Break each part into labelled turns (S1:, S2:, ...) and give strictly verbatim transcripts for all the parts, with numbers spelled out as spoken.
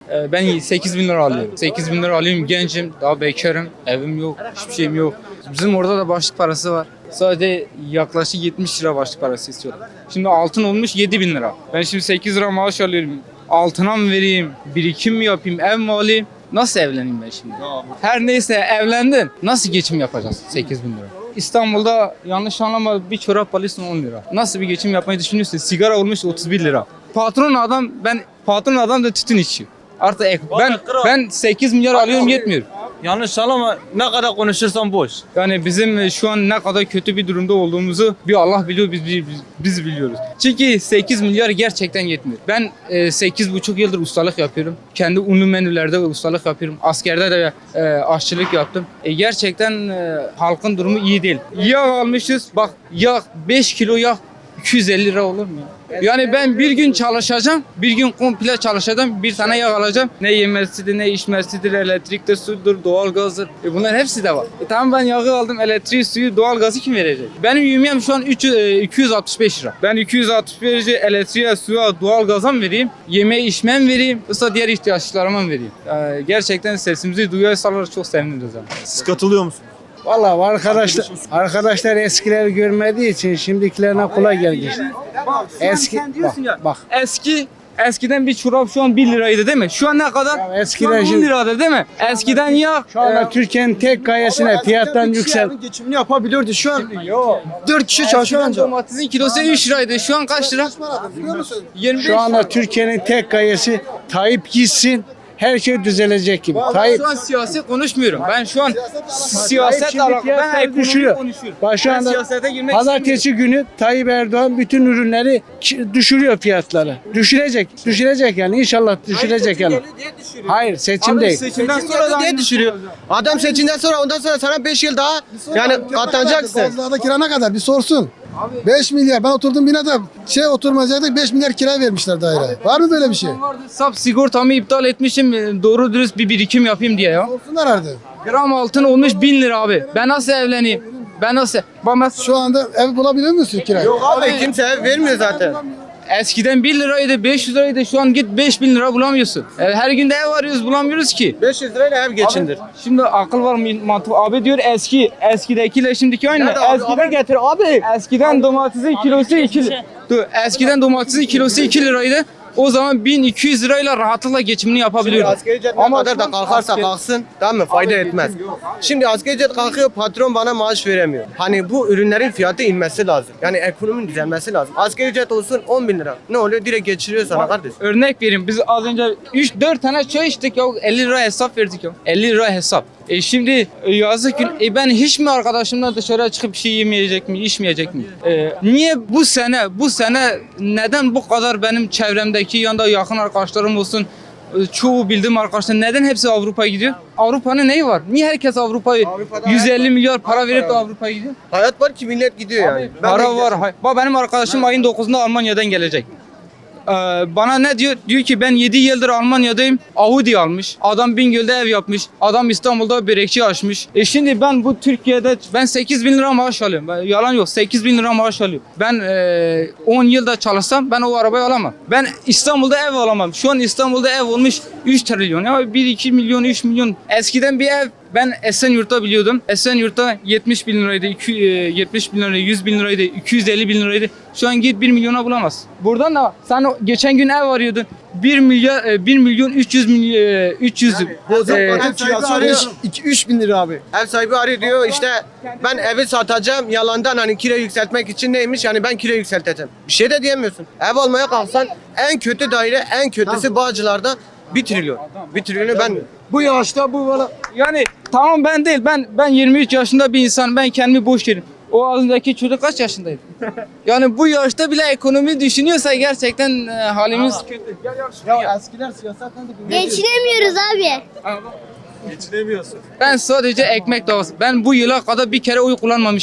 S1: Ee, Ben sekiz bin lira alıyorum. sekiz bin lira alıyorum, gencim, daha bekarım, evim yok, hiçbir şeyim yok. Bizim orada da başlık parası var. Sadece yaklaşık yetmiş lira başlık parası istiyorum. Şimdi altın olmuş yedi bin lira. Ben şimdi sekiz lira maaş alıyorum. Altına mı vereyim, birikim mi yapayım, ev mi alayım? Nasıl evleneyim ben şimdi? Her neyse evlendin. Nasıl geçim yapacağız sekiz bin lira? İstanbul'da yanlış anlama bir çorap alıyorsun on lira. Nasıl bir geçim yapmayı düşünüyorsun? Sigara olmuş otuz bir lira. Patron adam, ben patron adam da tütün içiyor. Artık ek- ben ben sekiz milyar alıyorum, yetmiyor.
S2: Yanlış anlama, ne kadar konuşursan boş.
S1: Yani bizim şu an ne kadar kötü bir durumda olduğumuzu bir Allah biliyor, biz biz, biz biliyoruz. Çünkü sekiz milyar gerçekten yetmiyor. Ben e, sekiz buçuk yıldır ustalık yapıyorum. Kendi unlu menülerde ustalık yapıyorum. Askerde de e, aşçılık yaptım. E, gerçekten e, halkın durumu iyi değil. Yağ almışız. Bak yağ beş kilo yağ iki yüz elli lira olur mu ya? Yani ben bir gün çalışacağım, bir gün komple çalışacağım, bir tane yağ alacağım. Ne yemesidir, ne içmesidir, elektriktir, sudur, doğalgazdır. E bunların hepsi de var. E tamam, ben yağı aldım, elektriği, suyu, doğalgazı kim verecek? Benim yemeğim şu an üç yüz, e, iki yüz altmış beş lira. Ben iki yüz altmış beş lira elektriğe, suya, doğalgaza mı vereyim? Yemeğe, içmeye mi vereyim? Yoksa diğer ihtiyaçlarıma mı vereyim? E, gerçekten sesimizi duyarsalar çok seviniriz. Yani.
S2: Siz katılıyor musunuz?
S3: Vallahi arkadaşlar arkadaşlar eskileri görmediği için şimdikilerine kolay gelecek. Eski
S1: Sen diyorsun ya,
S3: bak
S1: eski eskiden bir çorap şu an bir liraydı değil mi? Şu an ne kadar?
S3: Ya eskiden
S1: şu an on
S3: şimdi-
S1: lirada değil mi? Eskiden ya
S3: şu anda Türkiye'nin tek gayesine fiyattan yüksel.
S4: Geçimini yapabiliyordu şu an.
S1: yok.
S4: dört kişi çalışıyor
S1: Eskiden
S4: anca.
S1: domatesin kilosu üç liraydı. Şu an kaç lira? yirmi beş
S3: Şu anda
S1: lira.
S3: Türkiye'nin tek gayesi Tayyip gitsin. Her şey düzelecek gibi. Tayyip
S1: Şu an siyasi konuşmuyorum. Ben şu an
S3: Tayyip
S1: siyaset
S3: şimdi
S1: alakalı. Ben
S3: fiyatları
S1: ekonomi
S3: düşürüyor.
S1: konuşuyorum.
S3: Bak şu
S1: Ben
S3: anda
S1: siyasete girmek
S3: Pazartesi günü Tayyip Erdoğan bütün ürünleri ki- düşürüyor fiyatları. Düşürecek. Düşürecek yani inşallah düşürecek yani. Hayır seçim değil.
S1: Seçimden sonra da
S4: diye düşürüyor. Adam seçimden sonra ondan sonra sana beş yıl daha yani katlanacaksın.
S5: Bazılarda kira ne kadar bir sorsun. beş milyar, ben oturdum binada şey oturmayacaktık, beş milyar kira vermişler daire. Var mı böyle bir şey?
S1: sap sigortamı iptal etmişim. Doğru dürüst bir birikim yapayım diye ya.
S5: Sorsunlar artık.
S1: Gram altın olmuş bin lira abi. Ben nasıl evleneyim? Ben nasıl? Bana
S5: Şu anda ev bulabiliyor musun kira?
S4: Yok abi kimse ev vermiyor zaten.
S1: eskiden bir liraydı, beş yüz liraydı. Şu an git beş bin lira bulamıyorsun. E, Her gün de ev arıyoruz, bulamıyoruz ki.
S4: beş yüz lirayla ev geçindir.
S1: Şimdi akıl var mı mantık? Abi diyor eski, eskidekiyle şimdiki aynı.
S4: Nerede abi?
S1: Eskiden
S4: Abi getir abi.
S1: Eskiden domatesin kilosu iki lira. Dur, eskiden domatesin kilosu iki liraydı. O zaman bin iki yüz lirayla rahatlıkla geçimini yapabiliyordun.
S4: Asgari ücret ne
S1: Ama
S4: kadar
S1: şu
S4: da
S1: an
S4: kalkarsa
S1: asgari-
S4: kalksın tamam mı fayda etmez. Şimdi asgari ücret kalkıyor patron bana maaş veremiyor. Hani bu ürünlerin fiyatı inmesi lazım. Yani ekonominin düzelmesi lazım. Asgari ücret olsun on bin lira. Ne oluyor? Direkt geçiriyor sana kardeş.
S1: Örnek vereyim, biz az önce üç dört tane çay içtik ya, elli lira hesap verdik ya. elli lira hesap. E şimdi e, yazık gün e ben hiç mi arkadaşımla dışarıya çıkıp bir şey yemeyecek mi, içmeyecek mi? E, niye bu sene, bu sene neden bu kadar benim çevremdeki yanında yakın arkadaşlarım olsun, e, çoğu bildiğim arkadaşlar neden hepsi Avrupa'ya gidiyor? Avrupa'nın neyi var? Niye herkes Avrupa'ya
S4: Avrupa'da
S1: yüz elli
S4: hayat var.
S1: milyar para
S4: Hayat
S1: verip
S4: var
S1: de
S4: abi.
S1: Avrupa'ya gidiyor?
S4: Hayat var ki millet gidiyor yani. Ben de
S1: Para
S4: gideceğim.
S1: var. hay- Bak benim arkadaşım ayın dokuzunda Almanya'dan gelecek. Ee, bana ne diyor? Diyor ki ben yedi yıldır Almanya'dayım. Audi almış. Adam Bingöl'de ev yapmış. Adam İstanbul'da börekçi açmış. E şimdi ben bu Türkiye'de ben sekiz bin lira maaş alıyorum. Ben, yalan yok, sekiz bin lira maaş alıyorum. Ben e, on yılda çalışsam ben o arabayı alamam. Ben İstanbul'da ev alamam. Şu an İstanbul'da ev olmuş üç trilyon. Ya bir iki milyon, üç milyon. Eskiden bir ev ben Esenyurt'ta biliyordum. Esenyurt'ta yetmiş bin liraydı, iki- e, yetmiş bin liraydı, yüz bin liraydı, iki yüz elli bin liraydı. Şu an git bir milyona bulamaz. Buradan da sen o- geçen gün ev arıyordun. bir milyar, e, bir milyon üç yüz milyon, üç yüz.
S4: Bozuk
S1: e,
S4: para kirası arıyor.
S5: iki üç bin lira abi.
S4: Ev sahibi arıyor diyor işte ben evi satacağım yalandan hani kira yükseltmek için neymiş yani ben kira yükselteceğim. Bir şey de diyemiyorsun. Ev almaya kalksan en kötü daire en kötüsü Bağcılar'da bir trilyon. Bir trilyonu ben
S5: Bu yaşta bu valla.
S1: Yani tamam ben değil. Ben ben yirmi üç yaşında bir insan. Ben kendimi boş yerim. O ağzındaki çocuk kaç yaşındaydı? Yani bu yaşta bile ekonomi düşünüyorsa gerçekten e, halimiz kötü.
S5: Ya eskiler siyasetten de
S6: Geçinemiyoruz abi.
S2: Geçinemiyorsun.
S1: Ben sadece ekmek davası. Ben bu yıla kadar bir kere oy kullanmamışım.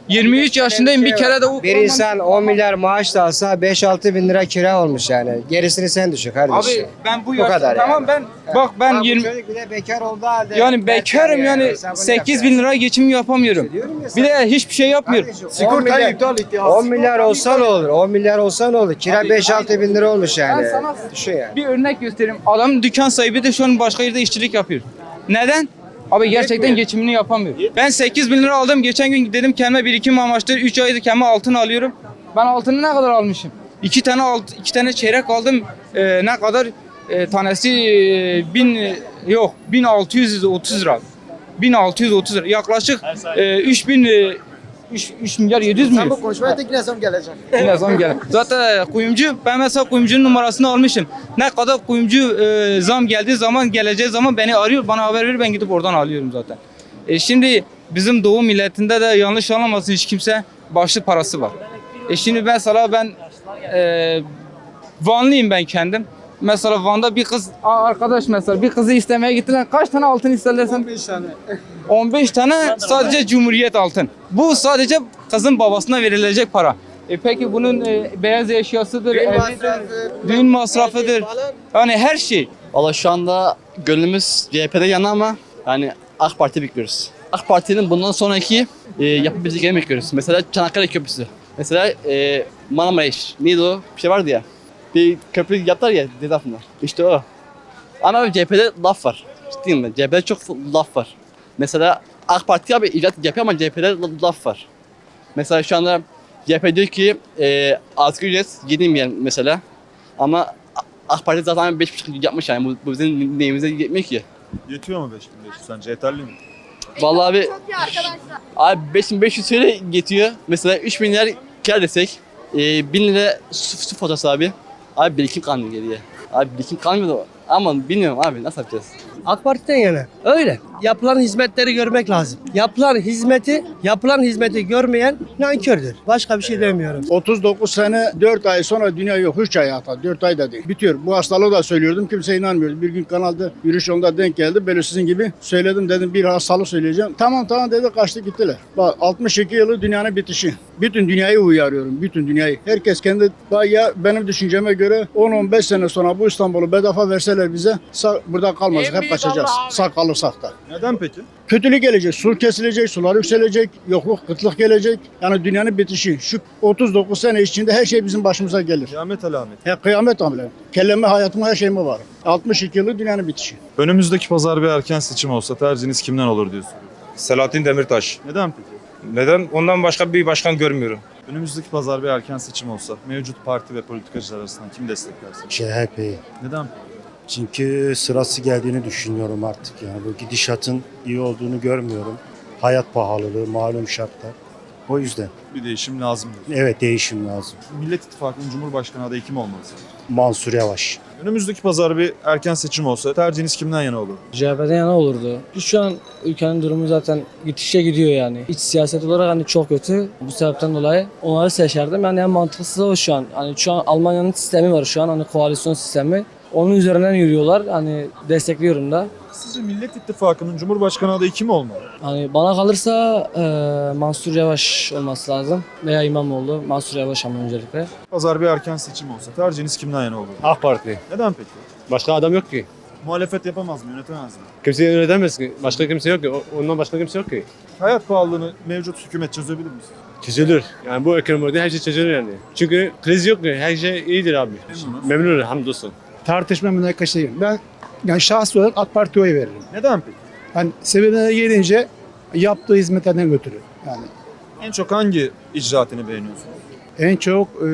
S1: yirmi üç yaşındayım bir kere de o
S6: Bir insan on milyar maaş da alsa beş altı bin lira kira olmuş yani. Gerisini sen düşün kardeşim.
S1: Abi ben bu
S6: Bu
S1: yaşta
S6: kadar
S1: tamam
S6: yani.
S1: ben bak ben
S6: Bak bu
S1: yirmi
S6: çocuk bir de bekar olduğu halde.
S1: yani bekarım yani
S6: hesabını
S1: sekiz
S6: yap
S1: bin
S6: yani.
S1: lira geçim yapamıyorum.
S6: Diyorum ya
S1: Bir de hiçbir şey yapmıyorum.
S6: Kardeşim, on
S4: Sigortayı
S6: milyar-
S4: iptal etti.
S6: on milyar olsa ne olur? on milyar olsa ne olur? Kira
S1: Abi,
S6: beş altı bin lira olmuş yani.
S1: Ben sana-
S6: Düşün yani.
S1: Bir örnek göstereyim. Adam dükkan sahibi de şu an başka yerde işçilik yapıyor. Neden? Abi gerçekten geçimini yapamıyor. Ben sekiz bin lira aldım. Geçen gün dedim kendime birikim amaçlı üç aydır kendime altın alıyorum. Ben altını ne kadar almışım? iki tane alt, iki tane çeyrek aldım. Ee, ne kadar? Ee, tanesi e, bin yok bin altı yüz otuz lira. bin altı yüz otuz lira. Yaklaşık e, üç bin e, üç milyar yedi yüz milyon.
S4: Bu konuşmaya tek ne zam gelecek?
S1: Ne zaman gelen? Zaten kuyumcu, ben mesela kuyumcunun numarasını almışım. Ne kadar kuyumcu e, zam geldiği zaman, geleceği zaman beni arıyor, bana haber verir, ben gidip oradan alıyorum zaten. E şimdi bizim doğu milletinde de yanlış anlamasın hiç kimse, başlı parası var. E şimdi mesela ben e, Vanlıyım ben kendim. Mesela Van'da bir kız, Aa, arkadaş mesela bir kızı istemeye gittiler. Kaç tane altın isterlersen? on beş tane. on beş tane sadece Cumhuriyet altın. Bu sadece kızın babasına verilecek para. E peki bunun e, beyaz eşyasıdır,
S4: Düğün
S1: evidir,
S4: masrafı,
S1: düğün masrafıdır.
S4: falan.
S1: Yani her şey.
S7: Valla şu anda gönlümüz C H P'de yana ama yani AK Parti bekliyoruz. AK Parti'nin bundan sonraki e, yapabileceklerini bekliyoruz. Mesela Çanakkale Köprüsü. Mesela e, Marmaris. Neydi o? Bir şey vardı ya. Bir köprü yaptılar ya deniz altında. İşte o. Ama C H P'de laf var. Ciddiyim mi? C H P'de çok laf var. Mesela AK Parti abi icraat yapıyor ama C H P'de laf var. Mesela şu anda C H P diyor ki e, asgari ücret yedi milyar mesela. Ama AK Parti zaten beş buçuk yapmış yani. Bu, bu bizim neyimize yetmiyor ki.
S2: Yetiyor mu beş bin beş yüz sence yeterli mi?
S7: Vallahi abi abi beş bin beş yüz söyle yetiyor. Mesela üç bin lira kar desek e, bin lira su, su faturası abi. Abi birikim kalmıyor geriye. Abi birikim kalmıyor da ama bilmiyorum abi nasıl yapacağız?
S8: AK Parti'den yana. Öyle. Yapılan hizmetleri görmek lazım. Yapılan hizmeti, yapılan hizmeti görmeyen nankördür. Başka bir şey demiyorum.
S5: otuz dokuz sene dört ay sonra dünya yok. üç ay hatta dört ay da değil. Bitiyor. Bu hastalığı da söylüyordum. Kimse inanmıyordu. Bir gün kanalda yürüyüş yolunda denk geldi. Böyle sizin gibi söyledim dedim bir hastalık söyleyeceğim. Tamam tamam dedi kaçtı gittiler. Bak altmış iki yılı dünyanın bitişi. Bütün dünyayı uyarıyorum. Bütün dünyayı. Herkes kendi ya benim düşünceme göre on on beş sene sonra bu İstanbul'u bedava verseler bize sağ, burada kalmayacak. Hep kaçacağız. Sağ kalırsak da.
S2: Neden peki?
S5: Kötülük gelecek, su kesilecek, sular yükselecek, yokluk, kıtlık gelecek. Yani dünyanın bitişi. Şu otuz dokuz sene içinde her şey bizim başımıza gelir.
S2: Kıyamet alameti.
S5: He, kıyamet amele. Kelleme hayatım her şeyime var. altmış iki yılı dünyanın bitişi.
S2: Önümüzdeki pazar bir erken seçim olsa tercihiniz kimden olur diye soruyorum.
S9: Selahattin Demirtaş.
S2: Neden peki?
S9: Neden? Ondan başka bir başkan görmüyorum.
S2: Önümüzdeki pazar bir erken seçim olsa mevcut parti ve politikacılar arasından kim desteklersin?
S10: C H P'yi.
S2: Neden?
S10: Çünkü sırası geldiğini düşünüyorum artık yani. Bu gidişatın iyi olduğunu görmüyorum. Hayat pahalılığı, malum şartlar. O yüzden
S2: Bir değişim lazım diyor.
S10: evet değişim lazım.
S2: Millet İttifakı'nın Cumhurbaşkanı adayı kim olmalı sence?
S10: Mansur Yavaş.
S2: Önümüzdeki pazar bir erken seçim olsa tercihiniz kimden yana olur?
S8: C H P'den yana olurdu. Şu an ülkenin durumu zaten gitişe gidiyor yani. İç siyaset olarak hani çok kötü. Bu sebepten dolayı onları seçerdim. Yani en mantıklısı o şu an. Hani şu an Almanya'nın sistemi var şu an hani koalisyon sistemi. Onun üzerinden yürüyorlar. Hani destekliyorum da.
S2: Sizce Millet İttifakı'nın Cumhurbaşkanı adayı kim olmalı?
S8: Hani bana kalırsa e, Mansur Yavaş olması lazım. Veya İmamoğlu. Mansur Yavaş ama öncelikle.
S2: Pazar bir erken seçim olsa tercihiniz kimden yana olur?
S11: AK Parti.
S2: Neden peki?
S11: Başka adam yok ki.
S2: Muhalefet yapamaz mı, yönetemez mi?
S11: Kimse yönetemez ki. Başka kimse yok ki. O- Ondan başka kimse yok ki.
S2: Hayat pahalılığını mevcut hükümet çözebilir mi?
S11: Çözülür. Yani bu ekonomide her şey çözülür yani. Çünkü kriz yok ki. Her şey iyidir abi.
S2: Memnunuz.
S11: Memnunum hamdolsun.
S5: Tartışma münakaşayım. Ben yani şahsi olarak AK Parti'ye oy veririm.
S2: Neden peki?
S5: Hani sebebine gelince yaptığı hizmetlerden götürü. Yani
S2: En çok hangi icraatını beğeniyorsunuz?
S5: en çok e,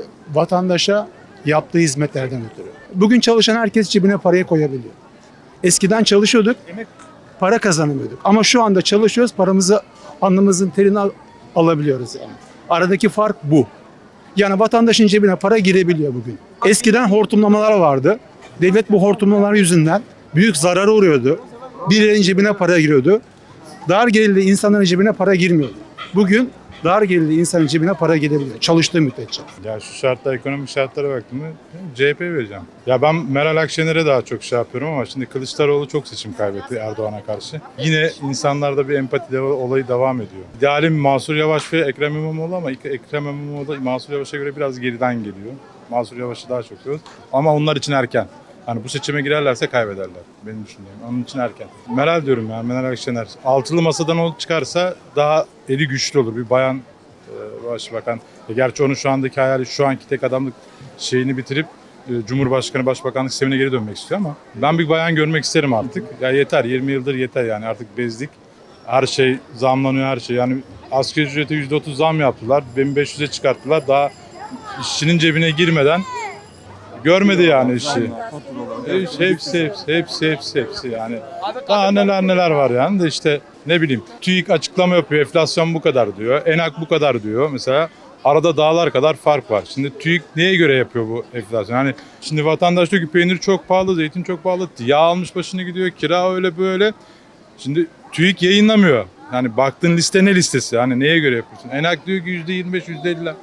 S5: vatandaşa yaptığı hizmetlerden ötürü. Bugün çalışan herkes cebine parayı koyabiliyor. Eskiden çalışıyorduk, emek para kazanamıyorduk. Ama şu anda çalışıyoruz, paramızı alnımızın terini al- alabiliyoruz yani. Aradaki fark bu. Yani vatandaşın cebine para girebiliyor bugün. Eskiden hortumlamalar vardı. Devlet bu hortumlamalar yüzünden büyük zarara uğruyordu. Birilerinin cebine para giriyordu. Dar gelirli insanların cebine para girmiyordu. Bugün dar gelirli insanın cebine para gidebilir. Çalıştığı müddetçe.
S9: Ya şu şartlar, ekonomik şartlara baktım mı C H P vereceğim. Ya ben Meral Akşener'e daha çok şey yapıyorum ama şimdi Kılıçdaroğlu çok seçim kaybetti Erdoğan'a karşı. Yine insanlarda bir empati de- olayı devam ediyor. İdealim Mansur Yavaş ve Ekrem İmamoğlu ama Ekrem İmamoğlu da Mansur Yavaş'a göre biraz geriden geliyor. Mansur Yavaş'ı daha çok seviyoruz. Ama onlar için erken. Hani bu seçime girerlerse kaybederler. Benim düşüncem. Onun için erken. Meral diyorum yani Meral Akşener. Altılı masadan o çıkarsa daha eli güçlü olur. Bir bayan e, başbakan. E, gerçi onun şu andaki hayali şu anki tek adamlık şeyini bitirip e, Cumhurbaşkanı Başbakanlık sistemine geri dönmek istiyor ama ben bir bayan görmek isterim artık. Ya yeter yirmi yıldır yeter yani artık bezdik. Her şey zamlanıyor her şey. Yani asgari ücrete yüzde otuz zam yaptılar. bin beş yüze çıkarttılar. Daha işçinin cebine girmeden görmedi yani işi. Hepsi, hepsi, hepsi, hepsi, hepsi, hepsi yani. Daha neler neler var yani de işte ne bileyim. TÜİK açıklama yapıyor, enflasyon bu kadar diyor, ENAK bu kadar diyor. Mesela arada dağlar kadar fark var. Şimdi TÜİK neye göre yapıyor bu enflasyon? Yani şimdi vatandaş diyor ki peynir çok pahalı, zeytin çok pahalı, yağ almış başını gidiyor, kira öyle böyle. Şimdi TÜİK yayınlamıyor. Yani baktığın liste ne listesi? Hani neye göre yapıyorsun? ENAK diyor ki yüzde yirmi beş, yüzde elli.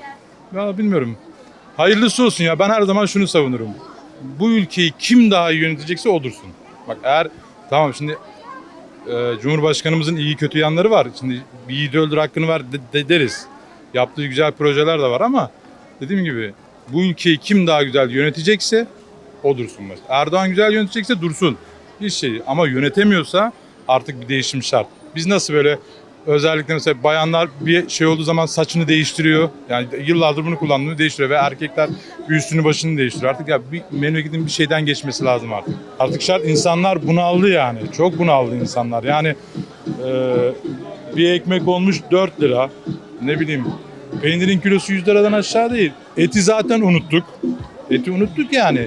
S9: Ya bilmiyorum. Hayırlısı olsun ya. Ben her zaman şunu savunurum. Bu ülkeyi kim daha iyi yönetecekse o dursun. Bak eğer tamam şimdi e, Cumhurbaşkanımızın iyi kötü yanları var. Şimdi bir yiğidi öldür hakkını ver de, de deriz. Yaptığı güzel projeler de var ama dediğim gibi bu ülkeyi kim daha güzel yönetecekse o dursun. Mesela. Erdoğan güzel yönetecekse dursun. Hiç şey ama yönetemiyorsa artık bir değişim şart. Biz nasıl böyle özellikle mesela bayanlar bir şey olduğu zaman saçını değiştiriyor. Yani yıllardır bunu kullandığını değiştiriyor ve erkekler bir üstünü başını değiştiriyor. Artık ya bir memleketin bir şeyden geçmesi lazım artık. Artık şart insanlar bunaldı yani. Çok bunaldı insanlar. Yani e, bir ekmek olmuş dört lira. Ne bileyim peynirin kilosu yüz liradan aşağı değil. Eti zaten unuttuk. Eti unuttuk yani.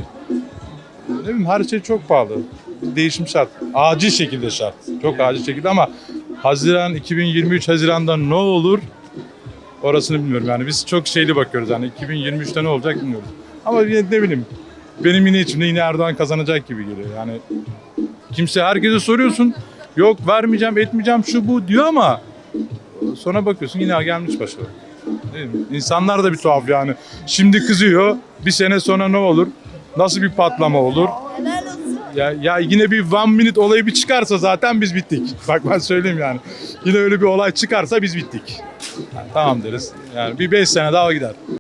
S9: Ne bileyim her şey çok pahalı. Değişim şart. Acil şekilde şart. Çok acil şekilde ama Haziran iki bin yirmi üç Haziran'da ne olur orasını bilmiyorum. Yani biz çok şeyli bakıyoruz. Yani iki bin yirmi üçte ne olacak bilmiyoruz. Ama yine ne bileyim benim yine içimde yine Erdoğan kazanacak gibi geliyor. Yani kimse herkese soruyorsun. Yok vermeyeceğim, etmeyeceğim şu bu diyor ama sonra bakıyorsun yine gelmiş başa. Değil mi? İnsanlar da bir tuhaf yani. Şimdi kızıyor. Bir sene sonra ne olur? Nasıl bir patlama olur? Ya, ya yine bir one minute olayı bir çıkarsa zaten biz bittik. Bak ben söyleyeyim yani. Yine öyle bir olay çıkarsa biz bittik. Yani tamam deriz. Yani bir beş sene daha gider.